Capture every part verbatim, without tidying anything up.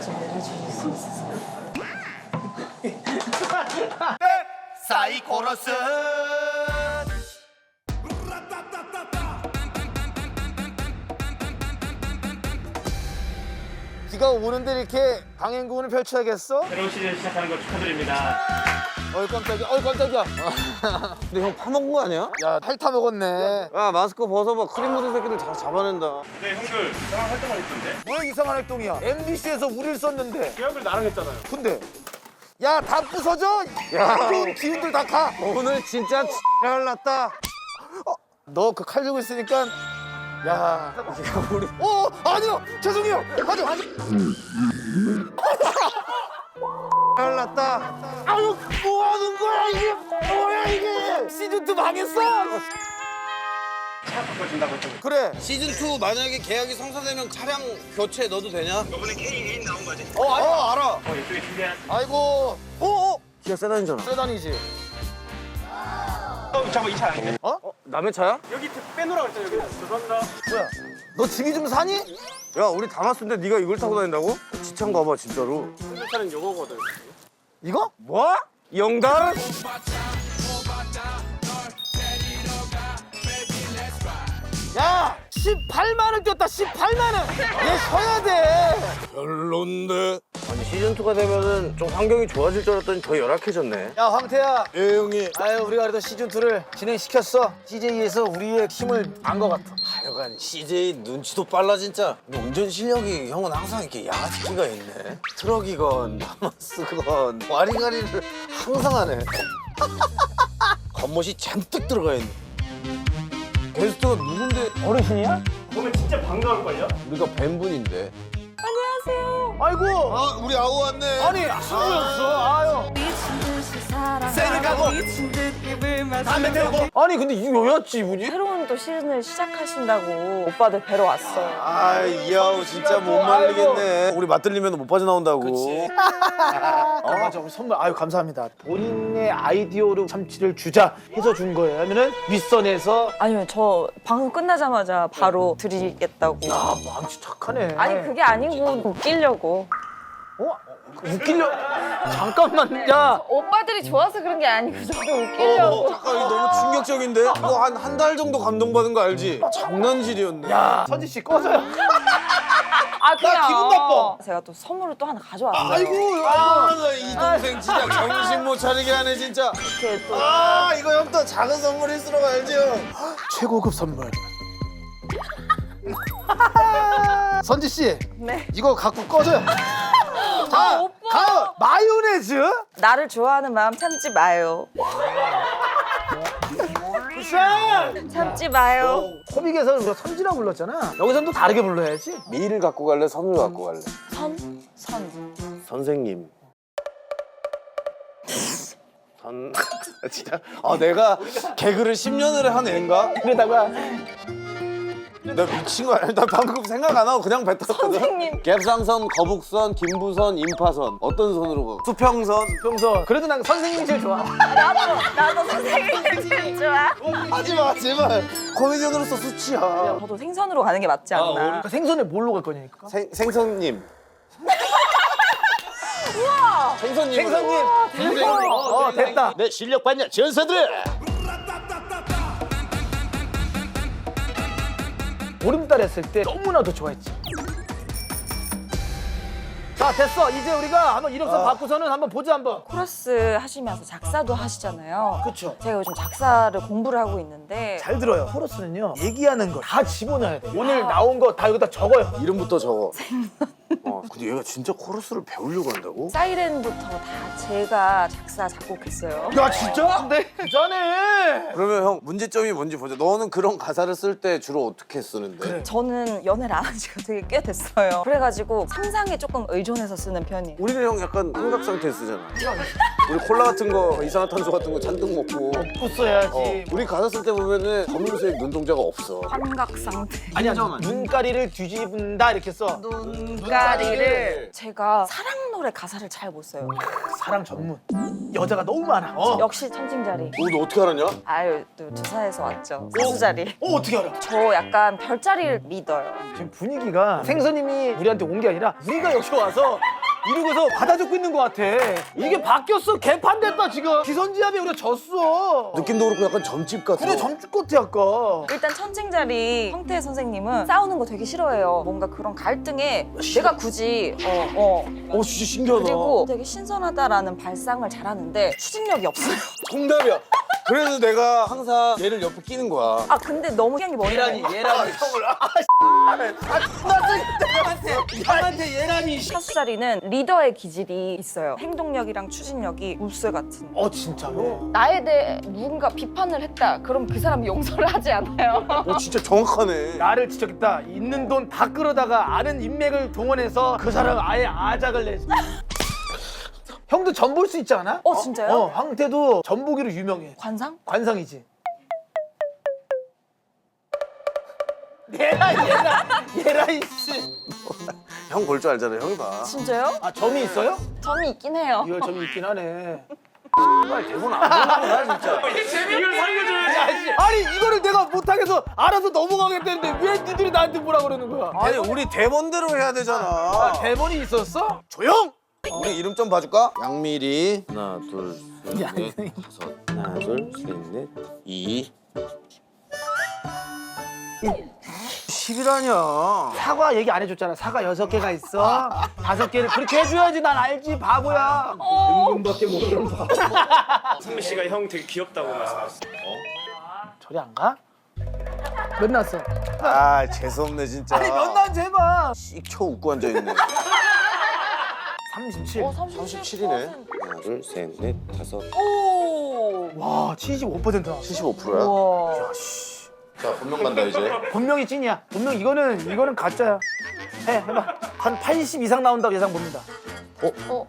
준비를 해주실 수 있으세요? 사이코러스 비가 오는데 이렇게 강행군을 펼쳐야겠어? 새로운 시즌 시작하는 거 축하드립니다. 어이 깜짝이야, 어이 깜짝이야. 근데 형 파먹은 거 아니야? 야, 핥아 먹었네. 야 마스크 벗어봐. 크림 묻은 새끼들 다 잡아낸다. 네, 형들 이상한 활동을 했던데? 왜 이상한 활동이야? 엠비씨에서 우리를 썼는데. 형들 나랑 했잖아요. 근데 야, 다 부서져. 야, 좋은 기운들 다 가. 오늘 진짜 잘 났다. 어, 너 그 칼 들고 있으니까 야, 우리 어, 아니요. 죄송해요. 아니요, 아니요. 잘 났다. 아유, 뭐 하는 거야 이게? 뭐야 이게? 시즌 투 망했어. 차 바꿔준다고 했던 거. 그래. 시즌 투 만약에 계약이 성사되면 차량 교체 너도 되냐? 이번에 K 일 나온 거지? 어, 알아. 어, 알아. 어, 이쪽에 준비한. 아이고. 어, 어. 기아 세단이잖아. 세단이지. 어, 잠깐 이차 아닌데? 어? 남의 차야? 여기 빼놓으라고 했잖아, 여기. 죄송합니다. 뭐야? 너 집이 좀 사니? 야 우리 담았는데 네가 이걸 타고 다닌다고? 지창 가봐 진짜로. 이 차는 요거거든. 이거? 뭐? 영달? 야! 십팔만 원 뛰었다, 십팔만 원! 얘 쉬어야 돼! 별론데. 아니 시즌 투가 되면은 좀 환경이 좋아질 줄 알았더니 더 열악해졌네. 야, 황태야. 예 형님. 아유, 우리가 그래도 시즌 투를 진행시켰어. 씨제이에서 우리의 힘을 안 것 같아. 하여간 씨제이 눈치도 빨라 진짜. 근데 운전 실력이 형은 항상 이렇게 양아치 끼가 있네. 트럭이건 나마스건 와리가리를 항상 하네. 겉멋이 잔뜩 들어가 있네. 게스트가 누군데? 어르신이야? 보면 진짜 반가울걸요? 우리가 뵌분인데. 안녕하세요. 아이고! 아 우리 아우 왔네. 아니, 친구였어. 아유. 미친 듯이 사랑하고 세니까고. 미친 듯 입을 담배 마시고 태우고. 아니, 근데 이거 왜였지, 이분이? 새로운 또 시즌을 시작하신다고 오빠들 뵈러 왔어요. 아, 이 아우 진짜 못 말리겠네. 우리 맞들리면 못 빠져나온다고. 그치. 어? 맞아, 우리 선물. 아유, 감사합니다. 본인의 아이디어로 참치를 주자 해서 준 거예요. 하면은 윗선에서. 아니요, 저 방송 끝나자마자 바로 드리겠다고. 아, 망치 착하네. 아니 그게 아니고 웃기려고. 어? 웃기려. 잠깐만, 야. 오빠들이 좋아서 그런 게 아니고 저도 웃기려고. 잠깐 이거 너무 충격적인데? 이거 한 한 달 정도 감동받은 거 알지? 장난질이었네. 야, 선지 씨 꺼져요. 아 그냥 기분 나빠. 제가 또 선물을 또 하나 가져왔어요. 아이고, 아, 나 이 동생 진짜 정신 못 차리게 하네 진짜. 이렇게 또 아, 이거 형 또 작은 선물일수록 알지 형? 최고급 선물. 선지 씨, 네. 이거 갖고 꺼져요. 자, 오빠. 다음 마요네즈. 나를 좋아하는 마음 참지 마요. 굿샷. 참지 마요. 코믹에서는 우리가 선지라고 불렀잖아. 여기서는 또 다르게 불러야지. 미를 갖고 갈래? 선을 갖고 갈래? 선, 선. 선생님. 선. 진짜. 아 내가 개그를 십 년을 한 애인가? 그러다가 나 미친 거 아니야? 나 방금 생각 안 하고 그냥 뱉었거든. 선생님. 갭상선, 거북선, 김부선, 임파선. 어떤 선으로 가? 수평선. 평소 그래도 난 선생님이 제일 좋아. 나도 나도 선생님들 제일 좋아. 하지 마 제발. 코미디언으로서 수치야. 저도 생선으로 가는 게 맞지 않나. 그러니까 생선에 뭘로 갈 거냐니까. 생 생선님. 우와. 생선님. 생선님. 대박. 어, 됐다. 내 실력 봤냐 전사들. 보름달 했을 때 너무나도 좋아했지. 자, 됐어. 이제 우리가 한번 이력서 받고서는 한번 보자 한번. 코러스 하시면서 작사도 하시잖아요. 그쵸. 제가 요즘 작사를 공부를 하고 있는데 잘 들어요. 코러스는요, 얘기하는 거 다 집어넣어야 돼. 오늘 나온 거 다 여기다 적어요. 이름부터 적어. 어, 근데 얘가 진짜 코러스를 배우려고 한다고? 사이렌부터 다 제가 작사 작곡했어요. 야, 진짜? 네. 부자네. 그러면 형 문제점이 뭔지 보자. 너는 그런 가사를 쓸 때 주로 어떻게 쓰는데? 저는 연애를 안 한 지가 되게 꽤 됐어요. 그래가지고 상상에 조금 의존해서 쓰는 편이에요. 우리는 형 약간 삼각 상태 쓰잖아. 우리 콜라 같은 거, 이산화탄소 같은 거 잔뜩 먹고. 먹고 써야지. 어, 우리 가사 쓸 때 보면은 검은색 눈동자가 없어. 환각 상태. 아니야, 눈가리를 뒤집는다 이렇게 써. 눈가리를 제가 사랑 노래 가사를 잘 못 써요. 사랑 전문. 여자가 너무 많아. 어. 역시 천칭자리. 오, 너 어떻게 알았냐? 아유, 또 두사에서 왔죠. 사수자리. 어, 어떻게 알아? 저 약간 별자리를 믿어요. 지금 분위기가 생선님이 우리한테 온 게 아니라 우리가 여기 와서 이러고서 받아 적고 있는 것 같아. 이게 바뀌었어. 개판됐다 지금. 기선지압에 우리가 졌어. 느낌도 그렇고 약간 점집 같아. 그래 점집 같아 아까. 일단 천칭자리 황태 선생님은 싸우는 거 되게 싫어해요. 뭔가 그런 갈등에 내가 굳이 어, 어. 어 진짜 신기하다. 그리고 되게 신선하다라는 발상을 잘하는데 추진력이 없어요. 정답이야. 그래서 내가 항상 얘를 옆에 끼는 거야. 아 근데 너무 희한이 머리라니. 예란이. 형한테 얘라니. 사수자리는 리더의 기질이 있어요. 행동력이랑 추진력이 물쇠 같은. 어 진짜로? 나에 대해 누군가 비판을 했다. 그럼 그 사람이 용서를 하지 않아요. 어 진짜 정확하네. 나를 지적했다. 있는 돈 다 끌어다가 아는 인맥을 동원해서 그 사람 아예 아작을 내지. 형도 전 볼 수 있지 않아? 어, 진짜요? 어, 황태도 전 보기로 유명해. 관상? 관상이지. 얘라 얘라 얘라 이씨. 형 볼 줄 알잖아. 형이 봐. 진짜요? 아 점이 있어요? 점이 있긴 해요. 이거 점이 있긴 하네. 정말 대본 안 보는구나 진짜. 이걸 살려줘야지. 아니 이거를 내가 못하겠어 알아서 넘어가겠다는데 왜 니들이 나한테 뭐라 그러는 거야? 아니 우리 대본대로 해야 되잖아. 아, 대본이 있었어? 조용! 우리 이름 좀 봐줄까? 양미리 하나 둘셋넷 다섯 하나 둘셋넷 이 십이라냐. 사과 얘기 안 해줬잖아. 사과 여섯 개가 있어. 다섯 개를 그렇게 해줘야지. 난 알지 바보야. 은근밖에 모르는 거. 선미 씨가 형 되게 귀엽다고 말씀하셨어. 저리 안 가? 몇 났어? 아 재수없네 진짜. 아니 몇 났지 해봐. 씩쳐 웃고 앉아있네. 삼십칠. 어, 삼십칠이네. 하나 둘셋넷 다섯 오. 와 칠십오 퍼센트나. 칠십오 퍼센트야. 와. 자 본명 간다 이제. 분명히 찐이야. 분명 이거는 이거는 가짜야. 해 해봐. 한 팔십 이상 나온다고 예상 봅니다. 어.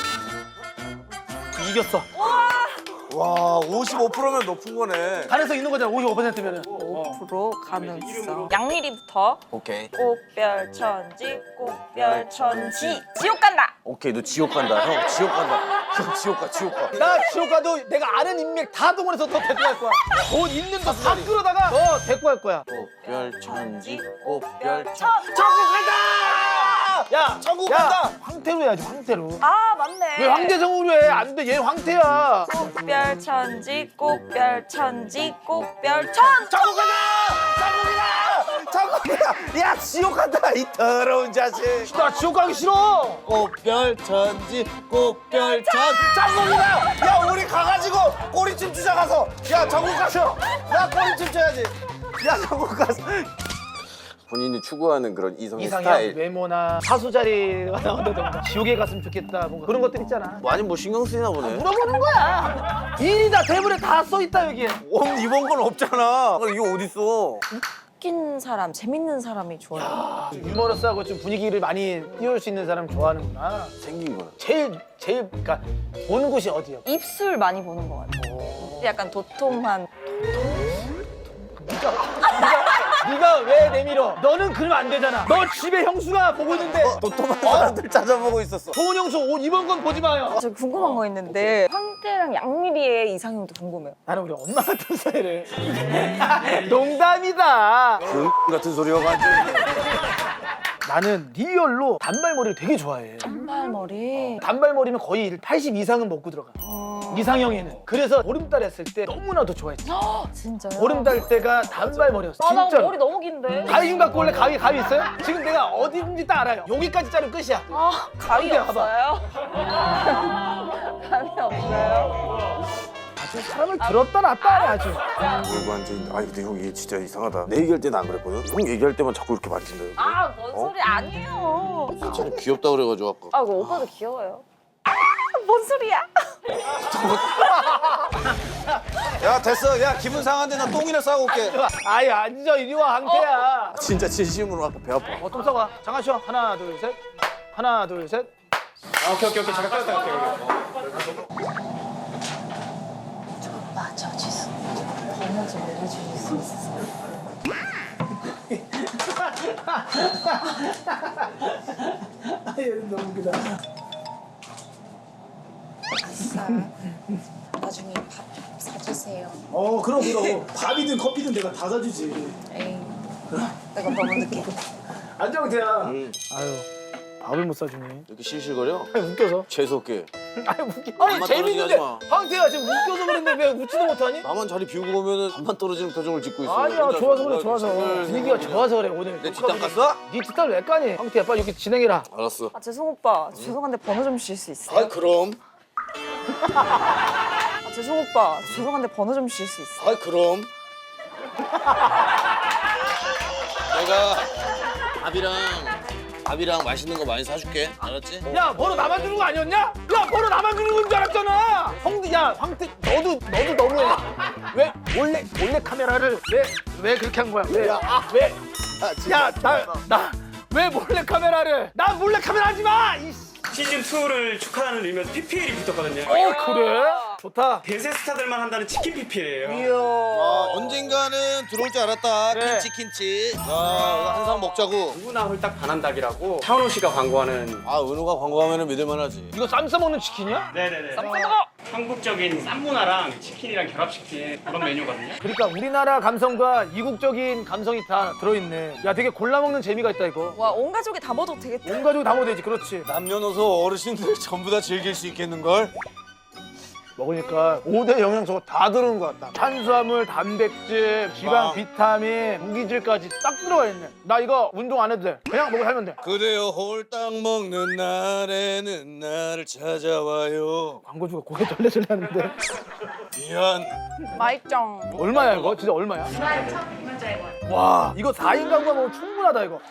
이겼어. 와 오십오 퍼센트면 높은 거네. 가능성 있는 거잖아. 오십오 퍼센트면은. 오 퍼센트 가능성. 양미리부터 오케이. 꽃별 천지 꽃별 천지 지옥 간다. 오케이 너 지옥 간다. 형 지옥 간다. 형 지옥 가 지옥 가. 나 지옥 가도 내가 아는 인맥 다 동원해서 너 데리고 갈 거야. 돈 있는 거 다 끌어다가 너 데리고 갈 거야. 꽃별 천지 꽃별 천. 천국 간다! 야 천국 야, 간다! 황태로 해야지 황태로. 아 맞네. 왜 황태성으로 해? 안 돼. 얘 황태야. 꽃별 천지 꽃별 천지 꽃별 천. 천국 간다! 천국이다! 천국이다! 야 지옥 간다 이 더러운 자식. 나 지옥 가기 싫어. 꽃별 천지 꽃별 천. 천국이다! 야 우리 가가지고 꼬리춤 추자 가서. 야 천국 가서 나 꼬리춤 춰야지. 야 천국 가서. 본인이 추구하는 그런 이성의 이상형, 스타일. 외모나 사수 자리가 나온다던가 지옥에 갔으면 좋겠다 뭔가 그런 것들 있잖아. 많이 뭐 신경 쓰이나 보네. 물어보는 거야. 일이다 대본에 다 써 있다 여기에. 어, 이번 건 없잖아. 어, 이거 어딨어? 웃긴 사람, 재밌는 사람이 좋아요. 유머러스하고 좀 분위기를 많이 띄울 수 있는 사람 좋아하는구나. 생긴 거야. 제일 제일 그러니까 보는 곳이 어디요? 입술 많이 보는 것 같아요. 약간 도톰한. 네가 왜 내밀어? 너는 그러면 안 되잖아. 너 집에 형수가 보고 있는데 도톰한 사람들 찾아보고 있었어. 좋은 형수 옷 이번 건 보지 마요. 저 궁금한 거 있는데 황태랑 양미리의 이상형도 궁금해요. 나는 우리 엄마 같은 스타일을. 농담이다. 그 같은 소리가 완전. 나는 리얼로 단발머리를 되게 좋아해. 단발머리. 단발머리면 거의 팔십 이상은 먹고 들어가. 어... 이상형에는. 그래서 보름달 했을 때 너무나도 좋아했지. 진짜요? 보름달 때가 단발머리였어. 아, 나 진짜로. 머리 너무 긴데. 가위 좀 갖고 올래? 가위, 가위 있어요? 지금 내가 어디인지 딱 알아요. 여기까지 자르면 끝이야. 아, 감이 근데 봐봐. 없어요? 감이 없어요? 아주 사람을 들었다 놨다 하네 아주. 이러고 앉아있는데 아니 근데 형 이게 진짜 이상하다. 내 얘기할 때는 안 그랬거든. 형 얘기할 때만 자꾸 이렇게 만진다. 아, 뭔 어? 소리 아니에요. 자꾸 귀엽다 그래가지고 아까. 아, 이거 오빠도 귀여워요. 아, 뭔 소리야? 야 됐어. 야 기분 상한데 나 똥이나 싸고 올게. 아이 앉아 이리 와 항태야. 진짜 진심으로 아까 배 아파. 어, 똥 싸고 와. 잠깐 쉬어. 하나 둘 셋. 하나 둘 셋. 아, 오케이 오케이 오케이 잠깐 딱 오케이 오케이. 오빠, 저 지수. 번호 좀 알려주실 수 있어요? 얘는 너무 웃기다. 아싸. 나중에 밥 사주세요. 어 그럼 그럼. 밥이든 커피든 내가 다 사주지. 에이, 내가 너무 늦게. 안정태야. 응. 아유 밥을 못 사주니. 이렇게 실실거려? 아니 웃겨서. 재수없게. 아니 웃기. 아니 밥만 재밌는데. 떨어지게 하지 황태야 지금 웃겨서 그랬는데 왜 웃지도 못하니? 나만 자리 비우고 오면은 밥만 떨어지는 표정을 짓고 있어. 아니야 혼자서. 좋아서 그래 내가 좋아서 슬슬 분위기가 생각해. 좋아서 그래 오늘. 내 뒷담 깠어? 네 뒷담 왜 까니? 황태야 빨리 이렇게 진행해라. 알았어. 아 죄송 오빠 죄송한데 번호 좀 주실 수 있어요? 아 그럼. 아 죄송 오빠 죄송한데 번호 좀 주실 수 있어요? 아 그럼. 내가 밥이랑 밥이랑 맛있는 거 많이 사줄게. 알았지? 야 번호 나만 주는 거 아니었냐? 야 번호 나만 주는 건 줄 알았잖아. 형도 야 황태 너도 너도 너무해. 왜 몰래 몰래 카메라를 왜 왜 그렇게 한 거야? 왜? 왜? 야 나 나 왜 몰래 카메라를? 나 몰래 카메라 하지 마. 이씨. 시즌 이를 축하하는 의미에서 피피엘이 붙었거든요. 어 그래? 좋다. 대세 스타들만 한다는 치킨 피피엘이에요. 이야. 아, 언젠가는 들어올 줄 알았다. 그래. 킨치 킨치. 야, 이거 한 상 먹자고. 누구나 홀딱 반한 닭이라고 차은호 씨가 광고하는. 아, 은호가 광고하면 믿을만하지. 이거 쌈 싸먹는 치킨이야? 네네네. 쌈 싸먹어! 한국적인 쌈 문화랑 치킨이랑 결합시킨 그런 메뉴거든요. 그러니까 우리나라 감성과 이국적인 감성이 다 들어있네. 야 되게 골라 먹는 재미가 있다 이거. 와 온 가족이 다 먹어도 되겠다. 온 가족이 다 먹어야지. 그렇지. 남녀노소 어르신들 전부 다 즐길 수 있겠는걸? 먹으니까 오 대 영양소가 다 들어온 것 같다. 탄수화물, 단백질, 지방, 아. 비타민, 무기질까지 딱 들어가 있네. 나 이거 운동 안 해도 돼. 그냥 먹고 살면 돼. 그대여 홀딱 먹는 날에는 나를 찾아와요. 광고주가 고개 절레절레 하는데. 미안. 맛있죠? 얼마야 이거? 진짜 얼마야? 와 이거 사 인 가구가 먹으면 충분하다 이거.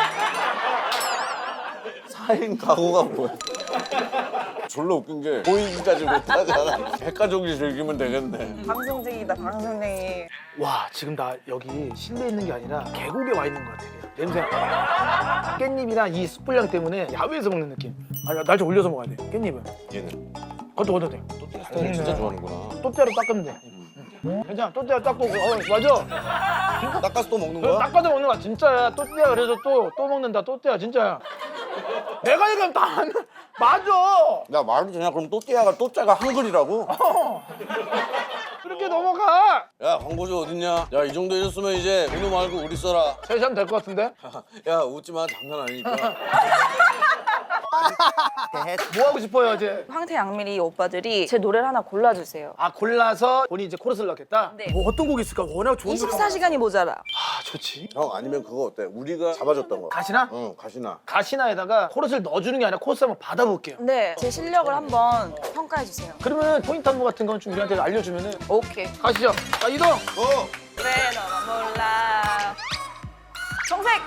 사 인 가구가 뭐야? 졸라 웃긴 게 보이기까지 못하잖아. 백가족이 즐기면 되겠네. 방송쟁이다 방송쟁이. 와 지금 나 여기 실내에 있는 게 아니라 계곡에 와 있는 것 같아. 냄새. 깻잎이랑 이 숯불향 때문에 야외에서 먹는 느낌. 아니 날 좀 올려서 먹어야 돼. 깻잎은. 얘는 그것도 얻어도 돼. 또띠아 스타일 진짜 좋아하는구나. 또띠아로 닦으면 돼. 응. 괜찮아. 또띠아 닦고 어 맞아. 닦아서 또 먹는 그럼 거야? 닦아서 먹는 거야 진짜야. 또띠아 그래서 또 또 먹는다. 또띠아 진짜야. 내가 얘기하면 다 안- 맞아. 야 말도 되냐? 그럼 또띠아가 또짜가 한글이라고? 그렇게 넘어가. 야 광고주 어딨냐? 야 이 정도 해줬으면 이제 은호 말고 우리 써라. 셋이 하면 될 것 같은데? 야 웃지 마 장난 아니니까. 뭐 하고 싶어요 이제? 황태 양미리 오빠들이 제 노래를 하나 골라주세요. 아 골라서 본인이 이제 코러스를 넣겠다? 네. 뭐 어떤 곡이 있을까? 워낙 좋은 노래가 이십사 시간이 모자라. 아 좋지. 형 아니면 그거 어때? 우리가 잡아줬던 거. 가시나? 응 가시나. 가시나에다가 코러스를 넣어주는 게 아니라 코러스 한번 받아볼게요. 네, 제 실력을 한번 평가해주세요. 그러면 포인트 안무 같은 건 좀 우리한테 알려주면은 오케이. 가시죠. 자 이동. 어. 왜 너만 몰라. 정색!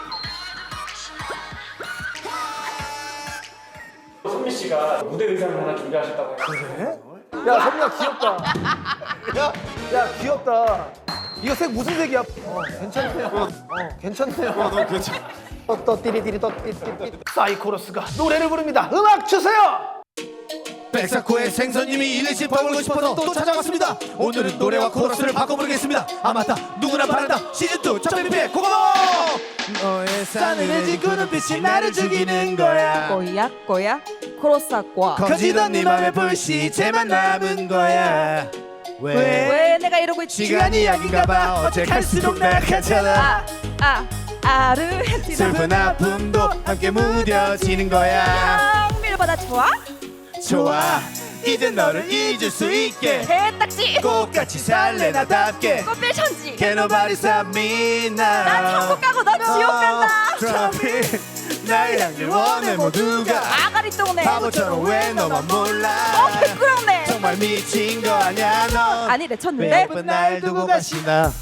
선미 씨가 무대 의상을 하나 준비하셨다고 해요. 야 선미야 귀엽다. 야, 야 귀엽다. 이거 색 무슨 색이야? 어 괜찮네요. 어 괜찮네요. 너 괜찮아. 또또 띠리띠리 또 띠리띠리. 사이코러스가 노래를 부릅니다. 음악 주세요. 백사코의 생선님이 일일씩 벌고 싶어서 또 찾아왔습니다. 오늘은 노래와 코러스를 바꿔 부르겠습니다. 아 맞다 누구나 바란다 시즌이 첫 뱀피의 고마워. 너의 싸늘해진 그 눈빛이 나를 죽이는 거야. 꼬약 꼬약 코러스과 커지던 네 맘의 불시체만 남은 거야. 왜? 왜 내가 이러고 있지? 시간이 약인가 봐. 어제 갈수록 나가잖아. 아, 아, 아르헨티나 슬픈 아픔도 함께 무뎌지는 거야. 양밀보다 좋아? 좋아 이제 너를 잊을 수 있게 개딱지 꽃같이 살래 나답게 꽃빌 천지 Can nobody stop me now. 나 천국 가고 너 지옥 간다. 트럼피 나의 향기를 원해 모두가 아가리 똥네 바보처럼 왜 너만 몰라. 어 부끄럽네. 정말 미친 거 아냐 넌. 아니 내 쳤는데 매번 날 두고 가시나.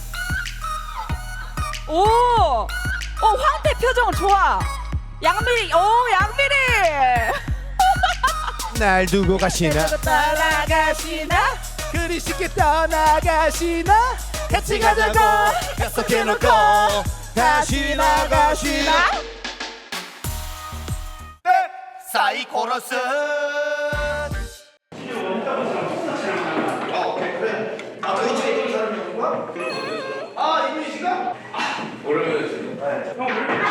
오! 오 황태 표정 좋아. 양미리 오 양미리 날 두고 가시나. 따라가시나 그리 쉽게 떠나가시나. 같이 가자고 약속해놓고 다시 나가시나. 사이코러스. 아 이분이 씨가? 형